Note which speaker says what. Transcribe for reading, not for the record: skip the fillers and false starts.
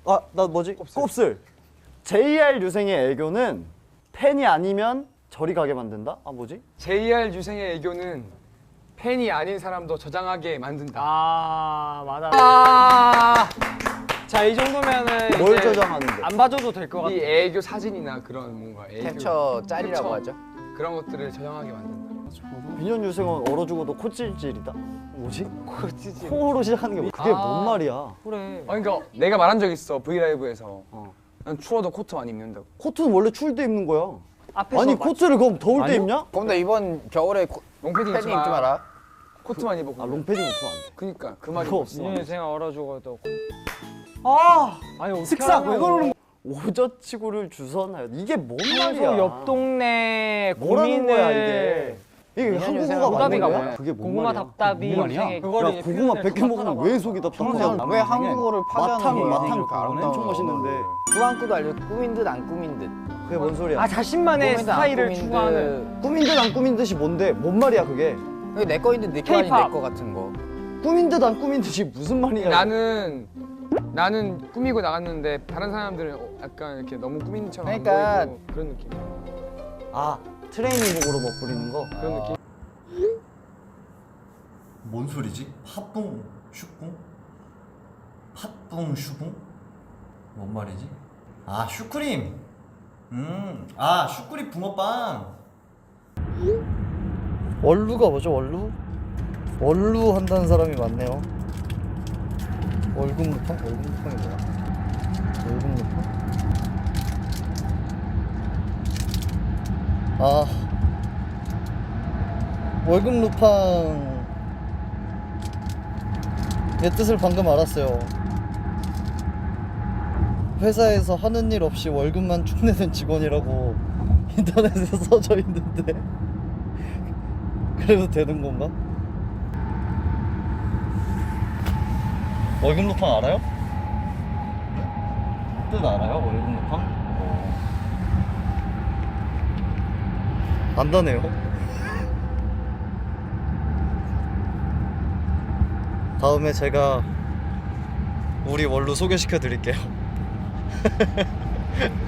Speaker 1: 아, 나 뭐지? 곱슬. JR 유생의 애교는 팬이 아니면 저리 가게 만든다? 아, 뭐지?
Speaker 2: JR 유생의 애교는 팬이 아닌 사람도 저장하게 만든다.
Speaker 3: 아 맞아.
Speaker 2: 아,
Speaker 3: 자 이 정도면은
Speaker 1: 뭘
Speaker 3: 이제
Speaker 1: 저장하는데?
Speaker 3: 안 봐줘도 될 것 같아.
Speaker 2: 이 애교 사진이나 그런 뭔가 애교
Speaker 4: 캡처 짤이라고
Speaker 2: 캡처,
Speaker 4: 하죠.
Speaker 2: 그런 것들을 저장하게 만든다.
Speaker 1: 민현 유생은 얼어 죽어도 코찔찔이다? 뭐지? 코찔찔. 코로 시작하는 게 뭐? 그게 뭔 말이야?
Speaker 3: 그래.
Speaker 2: 그러니까 내가 말한 적 있어 브이라이브에서. 난 추워도 코트 많이 입는다고.
Speaker 1: 코트는 원래 추울 때 입는 거야.
Speaker 3: 앞에서
Speaker 1: 아니
Speaker 3: 막-
Speaker 1: 코트를 그럼 더울 때
Speaker 3: 아니요?
Speaker 1: 입냐?
Speaker 4: 그럼 나 이번 겨울에
Speaker 2: 롱패딩
Speaker 4: 패딩 입지 마라.
Speaker 2: 코트만 입어.
Speaker 1: 아 롱패딩 입으면 안 돼.
Speaker 2: 그니까 그 말이
Speaker 1: 그거
Speaker 2: 없어.
Speaker 1: 없어.
Speaker 3: 민현이 생각 얼어 죽어도.
Speaker 1: 아!
Speaker 3: 아니 어떻게
Speaker 1: 슥싹 왜
Speaker 3: 하냐고.
Speaker 1: 그러는 거야? 오저치구를 주선하여 이게 뭔 말이야?
Speaker 3: 평소 옆 동네
Speaker 1: 뭐라는 거야
Speaker 3: 고민을
Speaker 1: 이게
Speaker 4: 민현
Speaker 1: 한국어가
Speaker 4: 유생은
Speaker 1: 맞는
Speaker 3: 오답이가
Speaker 1: 거야?
Speaker 3: 뭐야?
Speaker 1: 그게 뭔
Speaker 3: 고구마
Speaker 1: 말이야?
Speaker 3: 답답이
Speaker 1: 뭔 말이야?
Speaker 3: 유생의
Speaker 1: 야
Speaker 3: 그거를
Speaker 1: 고구마
Speaker 3: 표현을
Speaker 1: 100개 먹으면
Speaker 3: 답답하다고
Speaker 1: 왜 속이 답답하냐?
Speaker 4: 왜 한국어를 파괴하는
Speaker 1: 마탕
Speaker 4: 거야?
Speaker 1: 마탕 엄청 맛있는데
Speaker 4: 꾸안 꾸도 알려. 꾸민 듯 안 꾸민 듯.
Speaker 1: 그게 뭔 소리야?
Speaker 3: 아 자신만의
Speaker 4: 꾸민 듯 안
Speaker 3: 스타일을
Speaker 4: 꾸민
Speaker 3: 추구하는.
Speaker 1: 꾸민 듯 안 꾸민 듯이 뭔데? 뭔 말이야 그게?
Speaker 4: 그게 내 거인데 내 거 아닌
Speaker 3: K-pop.
Speaker 4: 내거 같은 거.
Speaker 1: 꾸민 듯 안 꾸민 듯이 무슨 말이야?
Speaker 2: 나는 꾸미고 나갔는데 다른 사람들은 약간 이렇게 너무 꾸민 척 안
Speaker 4: 그러니까-
Speaker 2: 보이고 그런 느낌.
Speaker 1: 아 트레이닝복으로 멋부리는 거?
Speaker 2: 그런 느낌.
Speaker 5: 뭔 소리지? 팥붕 슈붕? 팥붕 슈붕? 뭔 말이지? 아 슈크림. 아 슈크림 붕어빵.
Speaker 1: 원루가 뭐죠? 원루? 원루 한다는 사람이 많네요. 월급루팡? 월급루팡이 뭐야? 월급루팡? 아 월급루팡 의 뜻을 방금 알았어요. 회사에서 하는 일 없이 월급만 축내는 직원이라고 인터넷에 써져 있는데 그래도 되는 건가? 월급 루팡 알아요? 뜻 알아요? 월급 루팡? 안다네요. 다음에 제가 우리 원루 소개시켜 드릴게요.